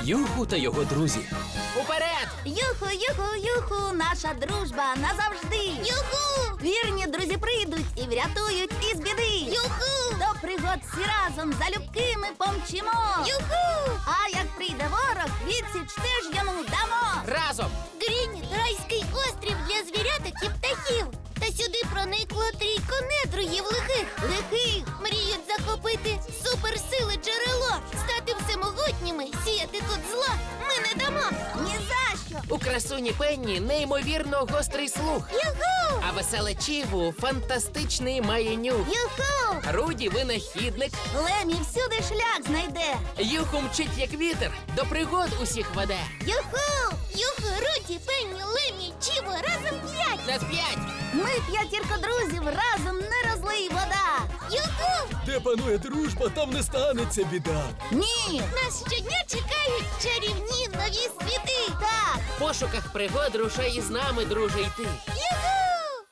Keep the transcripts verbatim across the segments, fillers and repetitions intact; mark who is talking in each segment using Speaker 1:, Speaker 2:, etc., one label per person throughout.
Speaker 1: Юху та його друзі.
Speaker 2: Уперед!
Speaker 3: Юху, юху, юху, наша дружба назавжди. Юху! Вірні друзі прийдуть і врятують із біди. Юху! До пригод всі разом залюбки ми помчимо. Юху! А як прийде ворог, відсіч теж йому дамо.
Speaker 2: Разом!
Speaker 4: Грініт – райський острів для звіряток і птахів. Та сюди проникло трійко недругів лихих.
Speaker 3: Лихих!
Speaker 4: Мріють захопити суперсили джерело, стати всемогутніми, сіяти тут зла ми не дамо.
Speaker 3: Ні за що!
Speaker 2: У красуні Пенні неймовірно гострий слух.
Speaker 4: Юху!
Speaker 2: А веселе Чіву фантастичний має нюх.
Speaker 3: Юху!
Speaker 2: Руді винахідник.
Speaker 3: Лемі всюди шлях знайде.
Speaker 2: Юху мчить як вітер, до пригод усіх веде.
Speaker 3: Юху!
Speaker 4: Юху, Руді, Пенні, Лемі, Чіво, разом п'ять!
Speaker 2: На п'ять!
Speaker 3: Ми п'ятірка друзів, разом не розлий вода.
Speaker 4: Юху!
Speaker 1: Де панує дружба, там не станеться біда.
Speaker 3: Ні!
Speaker 4: Нас щодня чекають чарівні нові світи!
Speaker 3: Так!
Speaker 2: В пошуках пригод рушай із нами, друже, йти.
Speaker 4: Юху!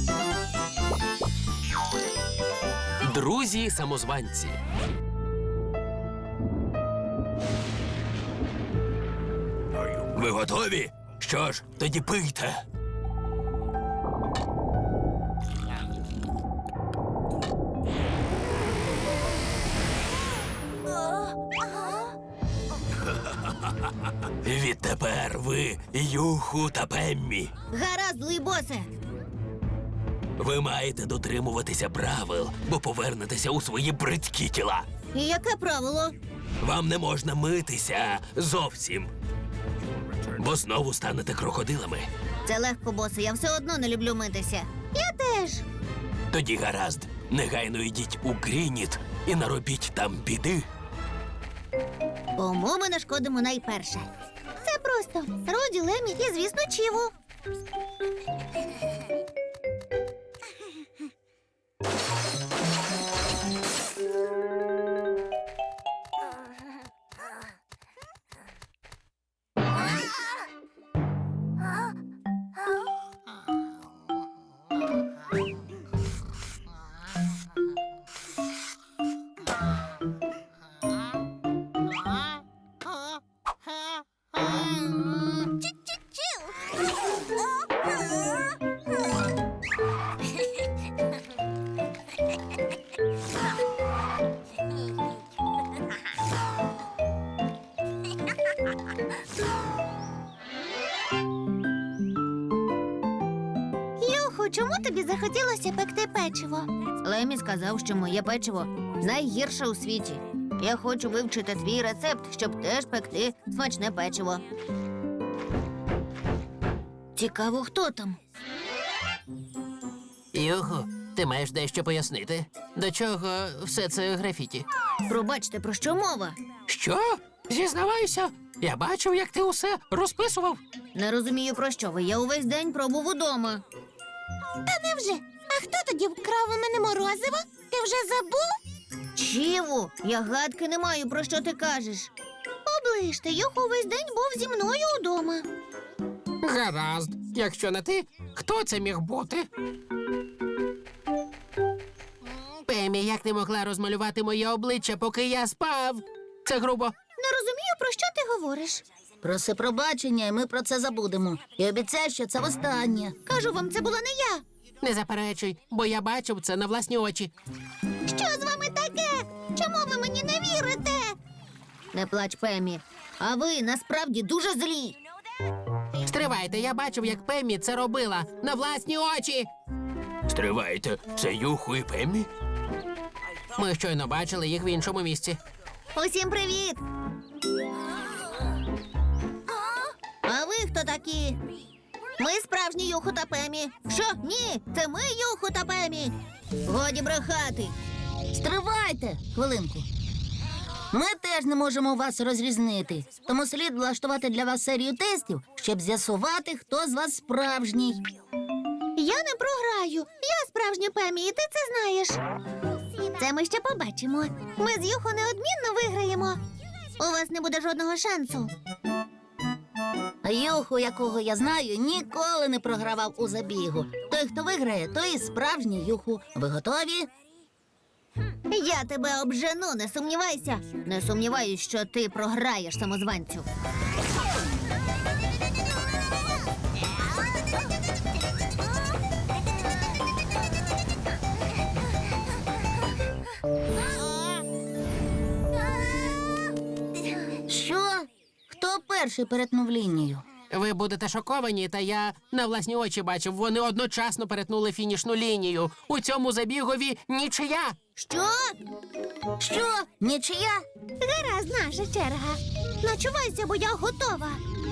Speaker 1: Друзі-самозванці. Ви готові? Що ж, тоді пийте. Відтепер ви Юху та Пеммі.
Speaker 4: Гаразд, злий босе!
Speaker 1: Ви маєте дотримуватися правил, бо повернетеся у свої бридкі тіла.
Speaker 4: І яке правило?
Speaker 1: Вам не можна митися зовсім, бо знову станете крокодилами.
Speaker 4: Це легко, босе, я все одно не люблю митися. Я теж.
Speaker 1: Тоді гаразд, негайно йдіть у Грініт і наробіть там біди.
Speaker 4: Кому ми нашкодимо найперше? Це просто Руді, Лемі і, звісно, Чіву. Юху, чому тобі захотілося пекти печиво? Лемі сказав, що моє печиво найгірше у світі. Я хочу вивчити твій рецепт, щоб теж пекти смачне печиво. Цікаво, хто там?
Speaker 2: Юху, ти маєш дещо пояснити? До чого все це графіті?
Speaker 4: Пробачте, про що мова?
Speaker 2: Що? Зізнавайся, я бачив, як ти усе розписував.
Speaker 4: Не розумію, про що ви. Я увесь день пробув удома. Та невже? А хто тоді вкрав у мене морозиво? Ти вже забув? Чіву, я гадки не маю, про що ти кажеш. Оближте, Юху увесь день був зі мною удома.
Speaker 2: Гаразд. Якщо не ти, хто це міг бути? Пемі, як ти могла розмалювати моє обличчя, поки я спав? Це грубо.
Speaker 4: Не розумію, про що ти говориш.
Speaker 3: Проси пробачення, і ми про це забудемо. І обіцяй, що це востаннє.
Speaker 4: Кажу вам, це була не я.
Speaker 2: Не заперечуй, бо я бачив це на власні очі.
Speaker 4: Що з вами таке? Чому ви мені не вірите? Не плач, Пемі. А ви насправді дуже злі.
Speaker 2: Стривайте, я бачив, як Пемі це робила на власні очі.
Speaker 1: Стривайте, це Юху і Пеммі?
Speaker 2: Ми щойно бачили їх в іншому місці.
Speaker 4: Усім привіт! А ви хто такі? Ми справжні Юху та Пемі. Що? Ні, це ми Юху та Пемі. Годі брехати.
Speaker 3: Стривайте! Хвилинку. Ми теж не можемо вас розрізнити. Тому слід влаштувати для вас серію тестів, щоб з'ясувати, хто з вас справжній.
Speaker 4: Я не програю. Я справжня Пемі, і ти це знаєш. Це ми ще побачимо. Ми з Юху неодмінно виграємо. У вас не буде жодного шансу.
Speaker 3: А Юху, якого я знаю, ніколи не програвав у забігу. Той, хто виграє, той і справжній Юху. Ви готові?
Speaker 4: Я тебе обжену, не сумнівайся. Не сумніваюсь, що ти програєш самозванцю.
Speaker 3: Що? Хто перший перетнув лінію?
Speaker 2: Ви будете шоковані, та я на власні очі бачив, вони одночасно перетнули фінішну лінію. У цьому забігові нічия.
Speaker 4: Що?
Speaker 3: Що? Нічия?
Speaker 4: Гаразд, наша черга. Начувайся, бо я готова.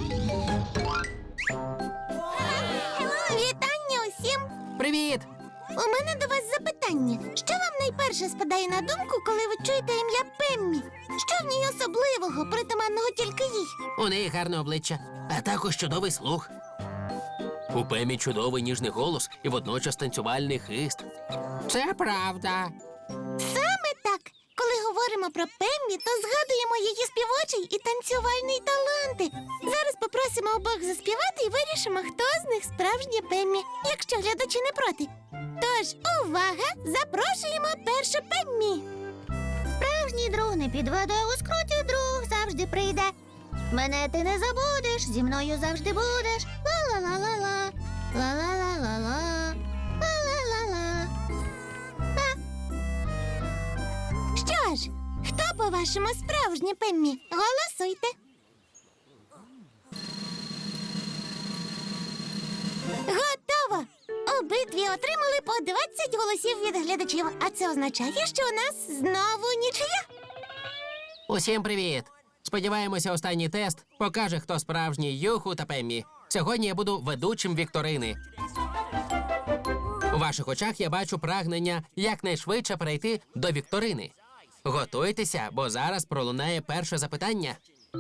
Speaker 3: Вітання усім!
Speaker 2: Привіт!
Speaker 3: У мене до вас запитання. Що вам найперше спадає на думку, коли ви чуєте ім'я Пеммі? Що в ній особливого, притаманного тільки їй?
Speaker 2: У неї гарне обличчя,
Speaker 1: А також чудовий слух. У Пемі чудовий ніжний голос і водночас танцювальний хист.
Speaker 2: це правда.
Speaker 3: Саме так. Коли говоримо про Пеммі, то згадуємо її співочий і танцювальний таланти. Зараз попросимо обох заспівати і вирішимо, хто з них справжня Пеммі, якщо глядачі не проти. Тож, увага! Запрошуємо першу Пеммі!
Speaker 4: Справжній друг не підведе, у скруті друг завжди прийде. Мене ти не забудеш, зі мною завжди будеш. Ла-ла-ла-ла-ла, ла-ла-ла-ла-ла, ла-ла-ла-ла.
Speaker 3: Що ж, хто, по-вашому, справжня Пеммі? Голосуйте. Готово! Обидві отримали по двадцять голосів від глядачів, а це означає, що у нас знову нічия.
Speaker 2: Усім привіт! Сподіваємося, останній тест покаже, хто справжній Юху та Пеммі. Сьогодні я буду ведучим вікторини. У ваших очах я бачу прагнення якнайшвидше перейти до вікторини. Готуйтеся, бо зараз пролунає перше запитання.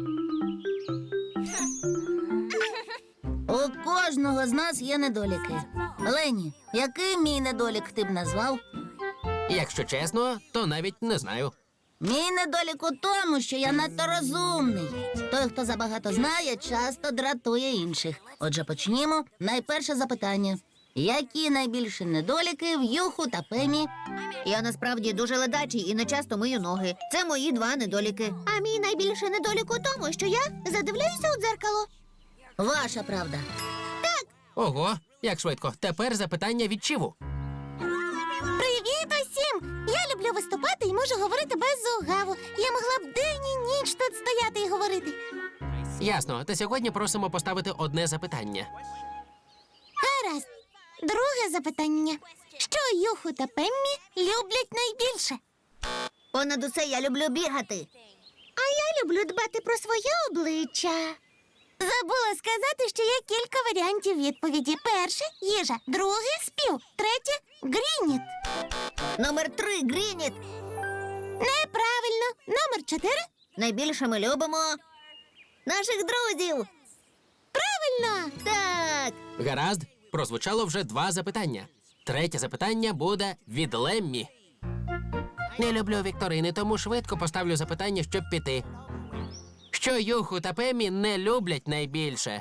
Speaker 3: У кожного з нас є недоліки. Лені, який мій недолік ти б назвав?
Speaker 2: Якщо чесно, то навіть не знаю.
Speaker 3: Мій недолік у тому, що я надто розумний. Той, хто забагато знає, часто дратує інших. Отже, почнімо. Найперше запитання. Які найбільші недоліки в Юху та Пемі?
Speaker 4: Я насправді дуже ледачий і не часто мию ноги. Це мої два недоліки. А мій найбільший недолік у тому, що я задивляюся у дзеркало.
Speaker 3: Ваша правда.
Speaker 2: Ого, як швидко. Тепер запитання від Чіву.
Speaker 3: Привіт усім! Я люблю виступати і можу говорити без угаву. Я могла б день і ніч тут стояти і говорити.
Speaker 2: Ясно, та сьогодні просимо поставити одне запитання.
Speaker 3: Гаразд. Друге запитання. Що Юху та Пеммі люблять найбільше?
Speaker 4: Понад усе я люблю бігати. А я люблю дбати про своє обличчя.
Speaker 3: Забула сказати, що є кілька варіантів відповіді. Перше – їжа, друге – спів, третє – грініт.
Speaker 4: Номер три Грініт.
Speaker 3: Неправильно. Номер чотири –
Speaker 4: Найбільше ми любимо наших друзів.
Speaker 3: правильно.
Speaker 4: Так.
Speaker 2: Гаразд, прозвучало вже два запитання. Третє запитання буде від Леммі. Не люблю вікторини, тому швидко поставлю запитання, щоб піти. Що Юху та Пеммі не люблять найбільше?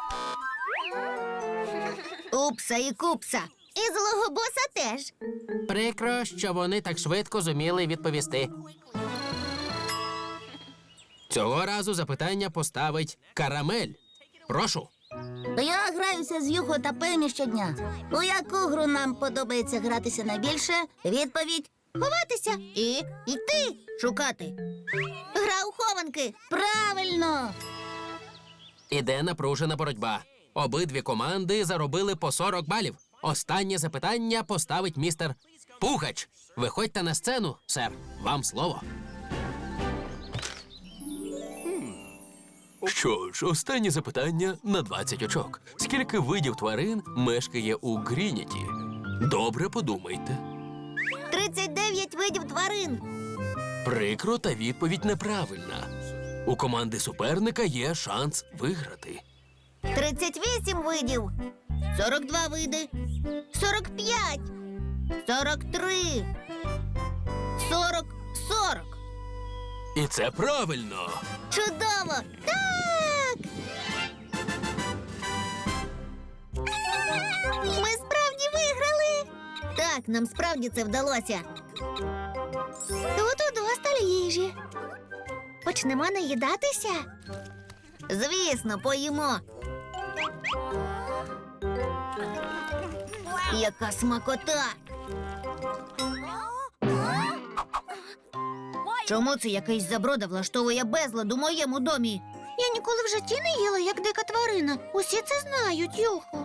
Speaker 4: Упса і купса. І злого боса теж.
Speaker 2: Прикро, що вони так швидко зуміли відповісти. Цього разу запитання поставить Карамель. Прошу.
Speaker 3: Я граюся з Юху та Пеммі щодня. У яку гру нам подобається гратися найбільше? Відповідь –
Speaker 4: Ховатися і йти шукати. Гра у хованки.
Speaker 3: правильно.
Speaker 2: Іде напружена боротьба. Обидві команди заробили по сорок балів. Останнє запитання поставить містер Пугач. Виходьте на сцену, сер. Вам слово. Що ж, останнє запитання на двадцять очок. Скільки видів тварин мешкає у Грініті? Добре подумайте.
Speaker 4: тридцять дев'ять видів тварин.
Speaker 2: Прикро, та відповідь неправильна. У команди суперника є шанс виграти.
Speaker 4: тридцять вісім видів. сорок два види. сорок п'ять. сорок три. сорок. сорок.
Speaker 2: І це правильно.
Speaker 4: Чудово! Так! Ми справді виграли! Так, нам справді це вдалося. їжі. Почнемо наїдатися? Звісно, поїмо. Яка смакота! Чому це якийсь заброда влаштовує безлад у моєму домі? Я ніколи в житті не їла, як дика тварина. Усі це знають, Юху.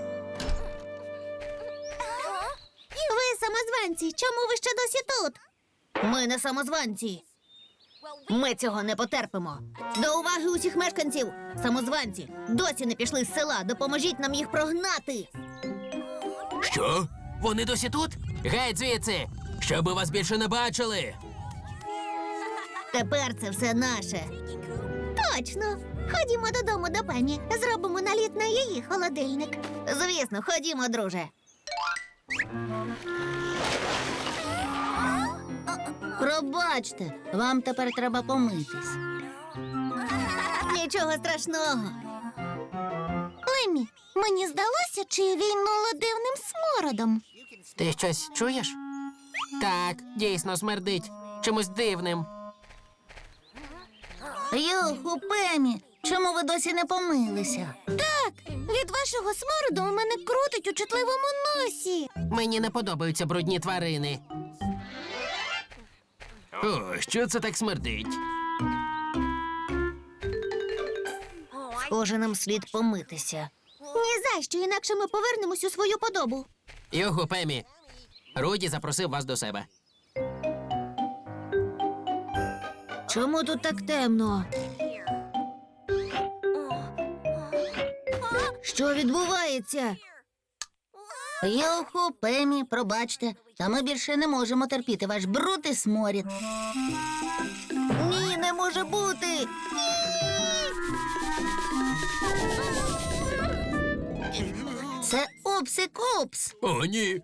Speaker 4: Ви самозванці, чому ви ще досі тут? Ми не самозванці. Ми цього не потерпимо. До уваги усіх мешканців! Самозванці, досі не пішли з села. Допоможіть нам їх прогнати.
Speaker 1: Що? Вони досі тут?
Speaker 2: Геть звідси!
Speaker 1: Щоби вас більше не бачили.
Speaker 4: Тепер це все наше. Точно. Ходімо додому до пані. Зробимо наліт на її холодильник. Звісно, ходімо, друже. Пробачте, вам тепер треба помитись. Нічого страшного. Лемі, мені здалося, чи війнуло дивним смородом.
Speaker 2: Ти щось чуєш? Так, дійсно смердить. Чимось дивним.
Speaker 3: Юху, Пемі, чому ви досі не помилися?
Speaker 4: Так, від вашого смороду у мене крутить у чутливому носі.
Speaker 2: Мені не подобаються брудні тварини.
Speaker 1: О, що це так смердить?
Speaker 4: Схоже, нам слід помитися. Ні за що, інакше ми повернемось у свою подобу.
Speaker 2: Юху, Пемі, Руді запросив вас до себе.
Speaker 4: Чому тут так темно? Що відбувається?
Speaker 3: Юху, Пемі, пробачте, та ми більше не можемо терпіти ваш бруд і сморід.
Speaker 4: Ні, не може бути.
Speaker 3: Це упси-купс.
Speaker 1: О, ні.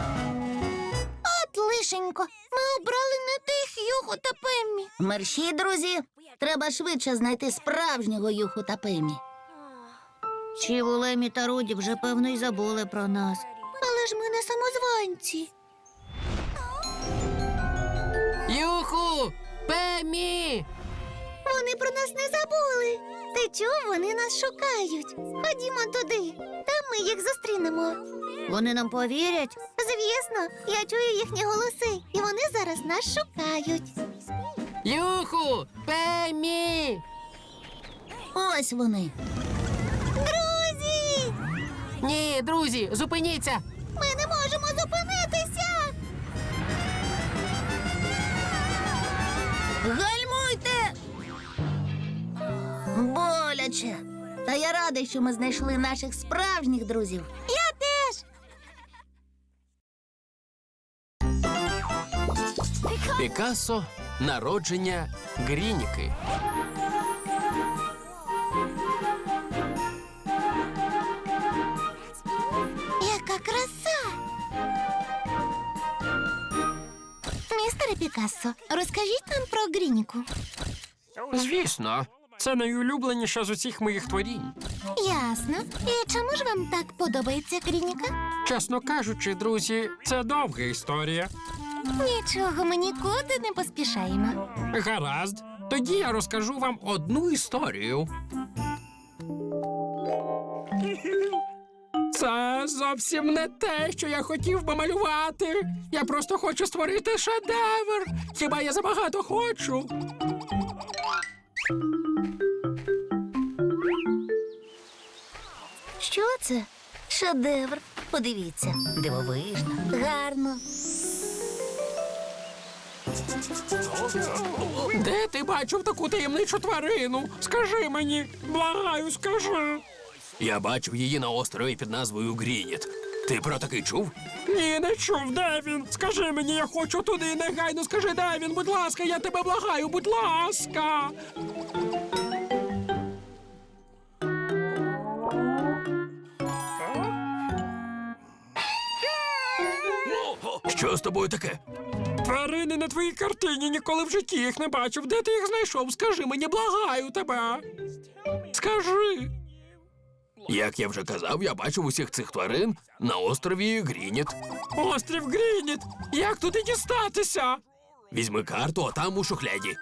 Speaker 4: От лишенько, ми обрали не тих Юху та Пеммі.
Speaker 3: Мерщі, друзі, треба швидше знайти справжнього Юху та Пемі.
Speaker 4: Чіву, Лемі та Руді вже, певно, й забули про нас. Але ж ми не самозванці.
Speaker 2: Юху! Пемі!
Speaker 4: Вони про нас не забули. Ти чув, вони нас шукають. Ходімо туди, там ми їх зустрінемо. Вони нам повірять? Звісно, я чую їхні голоси, і вони зараз нас шукають.
Speaker 2: Юху! Пемі!
Speaker 3: Ось вони.
Speaker 4: Друзі!
Speaker 2: Ні, друзі, зупиніться!
Speaker 4: Ми не можемо зупинитися!
Speaker 3: Гальмуйте! Боляче. Та я радий, що ми знайшли наших справжніх друзів.
Speaker 4: Я теж!
Speaker 2: Пікассо. Народження Грініки.
Speaker 4: Яка краса! Містере Пікассо, розкажіть нам про Грініку.
Speaker 5: Звісно, це найулюбленіша з усіх моїх творінь.
Speaker 4: Ясно. І чому ж вам так подобається Грініка?
Speaker 5: Чесно кажучи, друзі, це довга історія.
Speaker 4: Нічого, ми нікуди не поспішаємо.
Speaker 5: Гаразд, тоді я розкажу вам одну історію. Це зовсім не те, що я хотів би малювати. Я просто хочу створити шедевр. Хіба я забагато хочу?
Speaker 3: Що це? Шедевр. Подивіться. Дивовижно. Гарно.
Speaker 5: Де ти бачив таку таємничу тварину? Скажи мені, благаю, скажи.
Speaker 1: Я бачив її на острові під назвою Грініт. Ти про такий чув?
Speaker 5: Ні, не чув, де він? Скажи мені, я хочу туди, негайно скажи, де він, будь ласка, я тебе благаю, будь ласка.
Speaker 1: Що з тобою таке?
Speaker 5: Тварини на твоїй картині, ніколи в житті їх не бачив. Де ти їх знайшов? Скажи мені, благаю тебе. Скажи.
Speaker 1: Як я вже казав, я бачив усіх цих тварин на острові Грініт.
Speaker 5: Острів Грініт. Як туди дістатися?
Speaker 1: Візьми карту, а там у шухляді.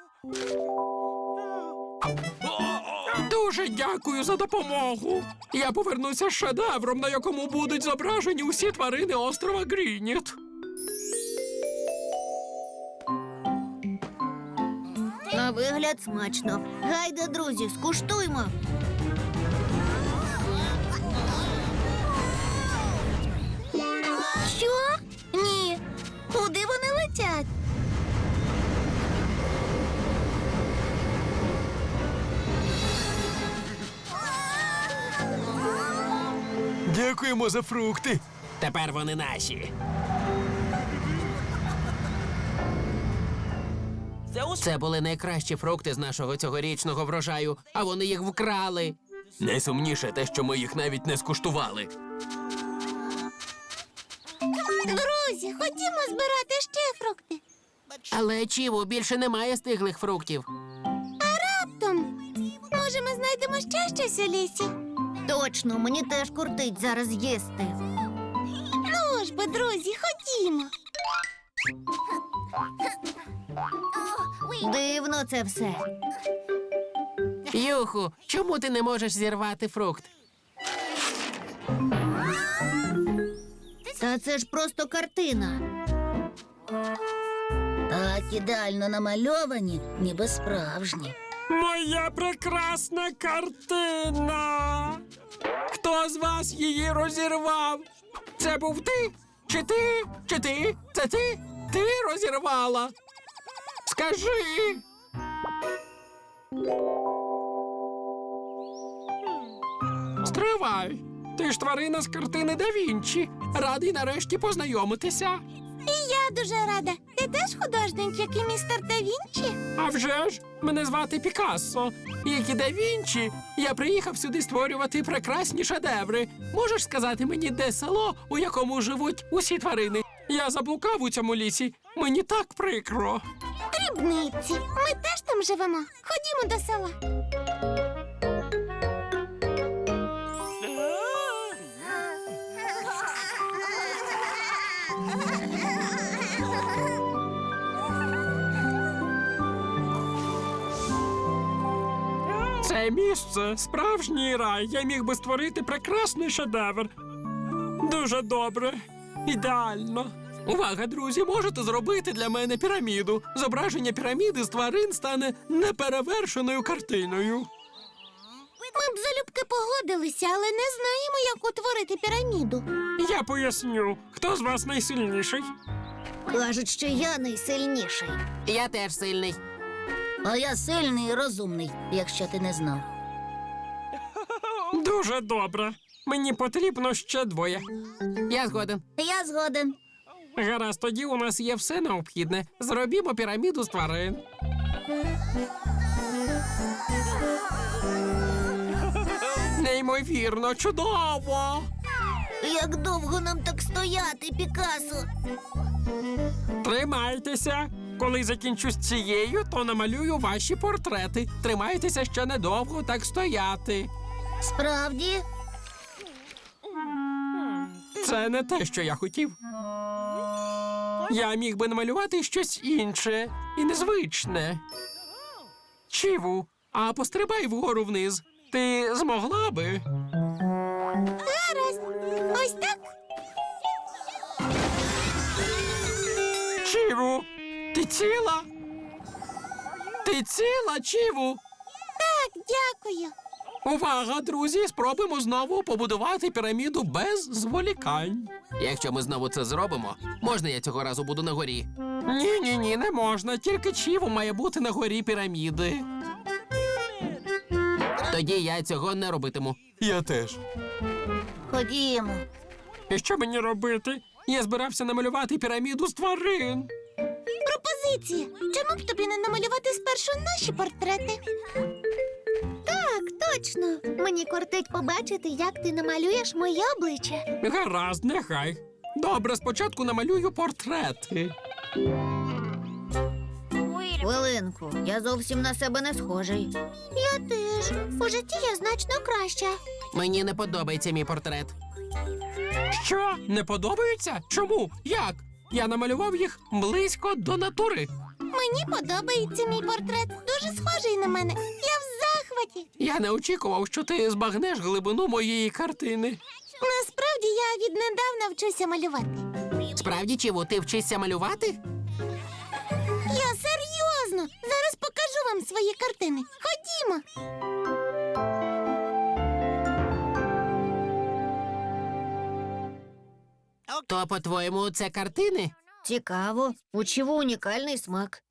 Speaker 5: Дуже дякую за допомогу. Я повернуся з шедевром, на якому будуть зображені усі тварини острова Грініт.
Speaker 4: На вигляд смачно. Гайда, друзі, скуштуймо.
Speaker 3: Що? Ні. Куди вони летять?
Speaker 1: Дякуємо за фрукти.
Speaker 2: Тепер вони наші. Це були найкращі фрукти з нашого цьогорічного врожаю, а вони їх вкрали.
Speaker 1: Найсумніше те, що ми їх навіть не скуштували.
Speaker 3: Друзі, ходімо збирати ще фрукти.
Speaker 2: Але, Чіву, більше немає стиглих фруктів.
Speaker 3: Раптом. Може, ми знайдемо ще щось у лісі?
Speaker 4: Точно, мені теж кортить зараз їсти.
Speaker 3: Ну ж бо, друзі, ходімо.
Speaker 4: Дивно це все.
Speaker 2: Юху, чому ти не можеш зірвати фрукт?
Speaker 4: Та це ж просто картина.
Speaker 3: Так ідеально намальовані, ніби справжні.
Speaker 5: Моя прекрасна картина. Хто з вас її розірвав? Це був ти? Чи ти? Чи ти? Це ти? Ти розірвала? Скажи. Стривай. Ти ж тварина з картини Да Вінчі. Радий нарешті познайомитися.
Speaker 3: І я дуже рада. Ти теж художник, як і містер Да Вінчі?
Speaker 5: А вже ж, мене звати Пікассо. Як і Да Вінчі, я приїхав сюди створювати прекрасні шедеври. Можеш сказати мені, де село, у якому живуть усі тварини? Я заблукав у цьому лісі. Мені так прикро.
Speaker 3: Дрібниці. Ми теж там живемо. Ходімо до села.
Speaker 5: Це місце справжній рай. Я міг би створити прекрасний шедевр. Дуже добре. Ідеально. Увага, друзі, можете зробити для мене піраміду. Зображення піраміди з тварин стане неперевершеною картиною.
Speaker 3: Ми б залюбки погодилися, але не знаємо, як утворити піраміду.
Speaker 5: Я поясню, хто з вас найсильніший?
Speaker 4: Кажуть, що я найсильніший.
Speaker 2: Я теж сильний.
Speaker 3: А я сильний і розумний, якщо ти не знав.
Speaker 5: Дуже добре. Мені потрібно ще двоє.
Speaker 2: Я згоден.
Speaker 3: Я згоден.
Speaker 5: Гаразд, тоді у нас є все необхідне. Зробімо піраміду з тварин. Неймовірно, чудово!
Speaker 4: Як довго нам так стояти, Пікасо?
Speaker 5: Тримайтеся. Коли закінчу з цією, то намалюю ваші портрети. Тримайтеся ще недовго так стояти.
Speaker 3: Справді?
Speaker 5: Це не те, що я хотів. Я міг би намалювати щось інше і незвичне. Чіву, а пострибай вгору вниз. Ти змогла би?
Speaker 3: Гаразд. Ось так?
Speaker 5: Чіву, ти ціла? Ти ціла, Чіву?
Speaker 3: Так, дякую.
Speaker 5: Увага, друзі, спробуємо знову побудувати піраміду без зволікань.
Speaker 2: Якщо ми знову це зробимо, можна я цього разу буду на горі?
Speaker 5: Ні-ні-ні, не можна. Тільки Чіву має бути на горі піраміди.
Speaker 2: Тоді я цього не робитиму.
Speaker 1: Я теж.
Speaker 3: Ходімо.
Speaker 5: І що мені робити? Я збирався намалювати піраміду з тварин.
Speaker 3: Пропозиція. Чому б тобі не намалювати спершу наші портрети?
Speaker 4: Так, точно. Мені кортить побачити, як ти намалюєш моє обличчя.
Speaker 5: Гаразд, нехай. Добре, спочатку намалюю портрети.
Speaker 4: Хвилинку, я зовсім на себе не схожий.
Speaker 3: Я теж. У житті я значно краща.
Speaker 2: Мені не подобається мій портрет.
Speaker 5: Що? Не подобаються? Чому? Як? Я намалював їх близько до натури.
Speaker 4: Мені подобається мій портрет. Дуже схожий на мене. Я в захваті.
Speaker 5: Я не очікував, що ти збагнеш глибину моєї картини.
Speaker 4: Насправді я віднедавна вчуся малювати.
Speaker 2: Справді, Чіву, ти вчишся малювати?
Speaker 4: Я серйозно. Зараз покажу вам свої картини. Ходімо.
Speaker 2: То, по-твоєму, це картини?
Speaker 4: Цікаво. У Чіву унікальний смак.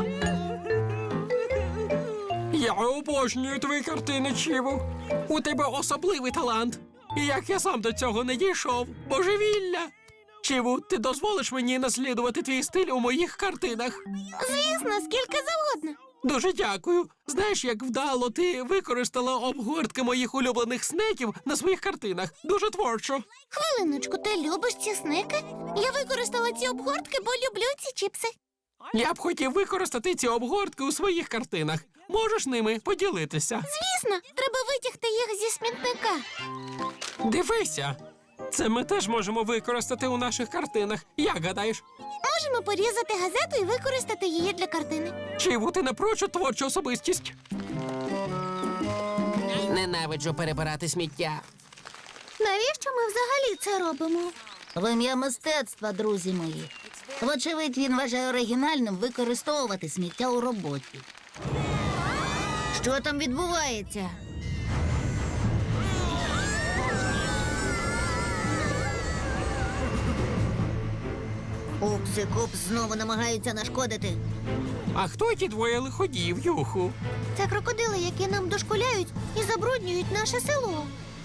Speaker 5: Я обожнюю твої картини, Чіву. У тебе особливий талант. І як я сам до цього не дійшов. Божевілля! Чіву, ти дозволиш мені наслідувати твій стиль у моїх картинах?
Speaker 4: Звісно, скільки завгодно.
Speaker 5: Дуже дякую. Знаєш, як вдало ти використала обгортки моїх улюблених снеків на своїх картинах. Дуже творчо.
Speaker 4: Хвилиночку, ти любиш ці сники? Я використала ці обгортки, бо люблю ці чіпси.
Speaker 5: Я б хотів використати ці обгортки у своїх картинах. Можеш ними поділитися?
Speaker 4: Звісно, треба витягти їх зі смітника.
Speaker 5: Дивися. Це ми теж можемо використати у наших картинах. Як гадаєш?
Speaker 4: Можемо порізати газету і використати її для картини.
Speaker 5: Чіву, ти напрочуд творчу особистість?
Speaker 2: Ненавиджу перебирати сміття.
Speaker 4: Навіщо ми взагалі це робимо?
Speaker 3: В ім'я мистецтва, друзі мої. Вочевидь, він вважає оригінальним використовувати сміття у роботі.
Speaker 4: Що там відбувається? Упс і Купс знову намагаються нашкодити.
Speaker 5: А хто ті двоє лиходіїв, Юху?
Speaker 4: Це крокодили, які нам дошкуляють і забруднюють наше село.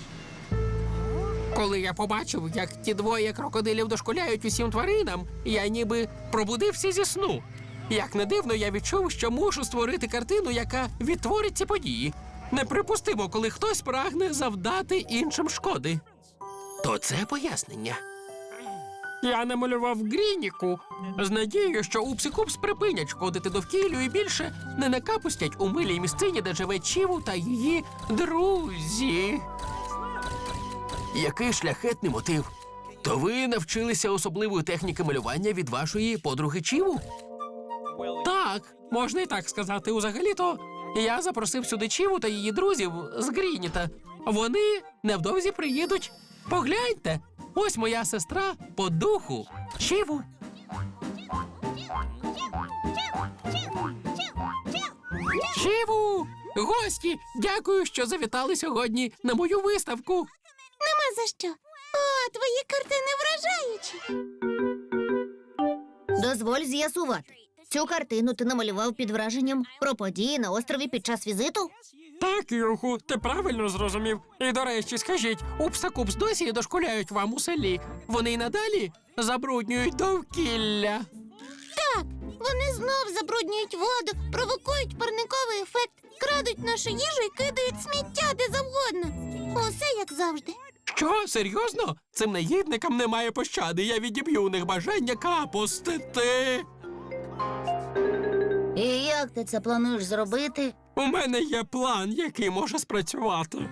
Speaker 5: Коли я побачив, як ті двоє крокодилів дошкуляють усім тваринам, я ніби пробудився зі сну. Як не дивно, я відчув, що мушу створити картину, яка відтворить ці події. Неприпустимо, коли хтось прагне завдати іншим шкоди.
Speaker 2: То це пояснення.
Speaker 5: Я намалював Грініку з надією, що Упс і Купс припинять шкодити довкіллю і більше не накапустять у милій місцині, де живе Чіву та її друзі.
Speaker 1: Який шляхетний мотив. То ви навчилися особливої техніки малювання від вашої подруги Чіву?
Speaker 5: Так, можна і так сказати. Узагалі-то я запросив сюди Чіву та її друзів з Грініта. Вони невдовзі приїдуть. Погляньте, ось моя сестра по духу Чіву. Чіву! Гості, дякую, що завітали сьогодні на мою виставку.
Speaker 4: Нема за що. О, твої картини вражаючі. Дозволь з'ясувати. Цю картину ти намалював під враженням про події на острові під час візиту?
Speaker 5: Так, Юху, ти правильно зрозумів. І, до речі, скажіть, Упс та Купс досі дошкуляють вам у селі? Вони й надалі забруднюють довкілля.
Speaker 4: Так, вони знов забруднюють воду, провокують парниковий ефект, крадуть нашу їжу і кидають сміття де завгодно. Усе як завжди.
Speaker 5: Що, серйозно? Цим негідникам немає пощади. Я відіб'ю у них бажання капустити.
Speaker 3: І як ти це плануєш зробити?
Speaker 5: У мене є план, який може спрацювати.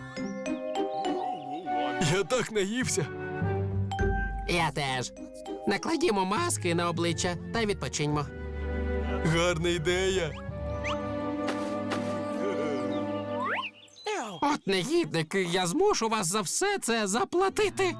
Speaker 1: Я так наївся.
Speaker 2: Я теж. Накладімо маски на обличчя та відпочиньмо.
Speaker 1: Гарна ідея.
Speaker 5: От негідники, я змушу вас за все це заплатити.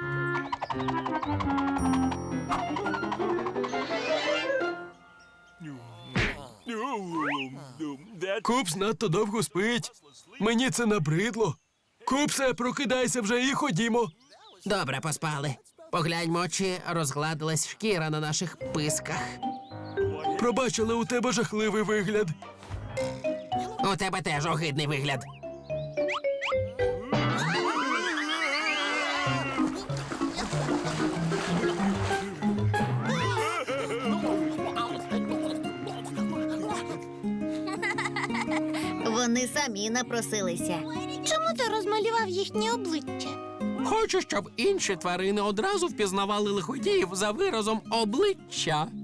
Speaker 1: Купс надто довго спить. Мені це набридло. Купсе, прокидайся вже і ходімо.
Speaker 2: Добре поспали. Погляньмо, чи розгладилась шкіра на наших писках.
Speaker 1: Пробач, але у тебе жахливий вигляд.
Speaker 2: У тебе теж огидний вигляд.
Speaker 4: Вони самі напросилися. Чому ти розмалював їхні обличчя?
Speaker 5: Хочу, щоб інші тварини одразу впізнавали лиходіїв за виразом обличчя.